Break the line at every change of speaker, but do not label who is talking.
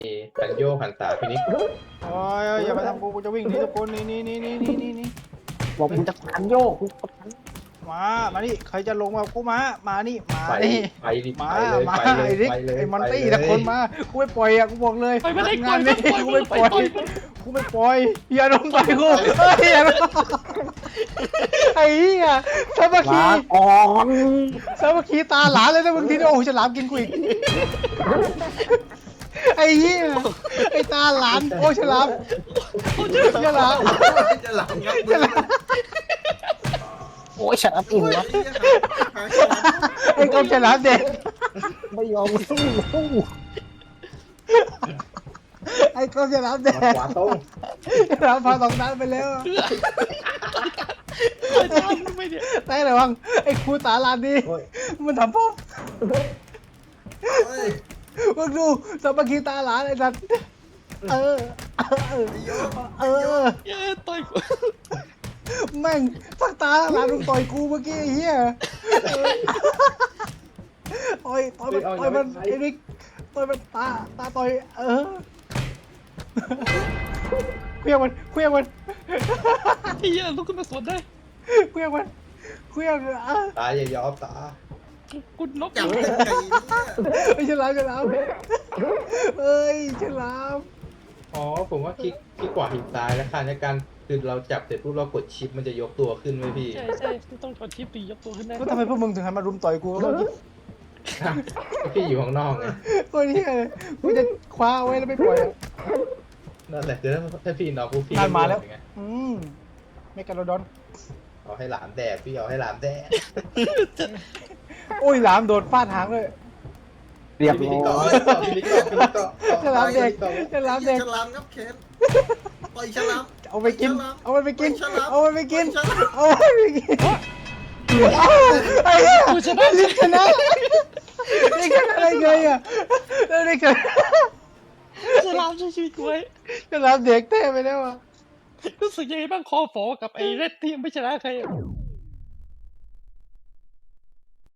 หันโยกหันตาพี่นิก
โอ้ยอย่ามาทำกูจะวิ่งหนีทุกคนนี่
บอกมึงจะขันโยกกู
มานี่ใครจะลงมากูมานี่มา
ไป
นี่
ไปดิ
มา
ไปเลย
มา
ไปเลย
ไอ้ริก
ไปเลย
ไอ้มอนตี้
ไปเลย
แต่คนมากูไม่ปล่อยอ่ะกูบอกเลย
ไปไม่ได้
งานนี้
ปล่อย
กูไม่ปล่อย
ปล่อย
กูไม่ปล่อยอย่าลงไปกูเฮ้ยอย่าลงไอ้เหี้ยสามัคคี
ลาก่อน
สามัคคีตาหลานเลยนะมึงทีนี้โอ้โหฉลามกินกูอีกไอ้เหี้ยไอ้ตาหลานโอ้ฉลามฉลาม
จะหลังงับ
ฉลาม
โอ้ยฉันอับอิ่มวะ
ไอ้กบฉลามเด็ก
ไม่ยอมสู้
ไอ้กบฉลามเด็ก
ขวาตรง
ฉลามพาสองนัดไปแล้ว
อาจารย์ไม่เนี่ย
ได้ระวังไอ้ครูตาลานนี่มันทำพ่อมึงดูสามัคคีตาหลานไอ้สัตว์เออ
เย้ต่อยกู
แม่งสักตาหลานมึงต่อยกูเมื่อกี้ไอ้เหี้ยต่อยมันไอ้นิกต่อยมันตาต่อยเคลี้ยงมัน
ไอ้เหี้ยลุกขึ้นมาสวนได้
เคลี้ยง
ตาอย่ายอมตา
กูน็อก
จับ
เลย
ยังไงเนี่ย
ไอ้ฉลามเอ้ยฉลาม
อ๋อผมว่าคลิกขวาหินซ้ายแล้วค่ะในการคือเราจับเสร็จปุ๊บเรากดชิปมันจะยกตัวขึ้นไหมพี่
ใช่ต้องกดชิปตียกตัวขึ้นได้
ก็ทำไมพวกมึงถึงหันมารุมต่อยกูเมื่อกี้
พี่อยู่ข้างนอกไง
โอ้ยเนี่ยกูจะคว้าไว้แล้วไม่ปล่อย
นั่นแหละคือถ้าพี่นอนปุ๊บพี่
นั่นมาแล้ว
ก็ไง
เมกาโลดอน
เอาให้หลานแดกพี่เอาให้หลานแดก
โอ้ยหลามโดดฟาดหางเลย
เรียบ
พี่
ร้
นิก
อ
ต่อย พี่นิกต่อ
ฉลามเด็กฉลามเด็ก
ฉลามงับแขนปล่อยฉลาม
เอาไปกิน เอาไปกิน
ฉลาม
เอาไปกิน
ฉลาม
เอาไปกินไอ้เหี้ยลิกชนะลิกชนะได้ไงอ่ะลิกชนะ
ฉลามช่วยชีวิตกูไว้
ฉลามเด็กเต้ไปแล้วอ่ะ
รู้สึกยังไงบ้างคอฝอกับไอ้เรดที่ยังไม่ชนะใครอะ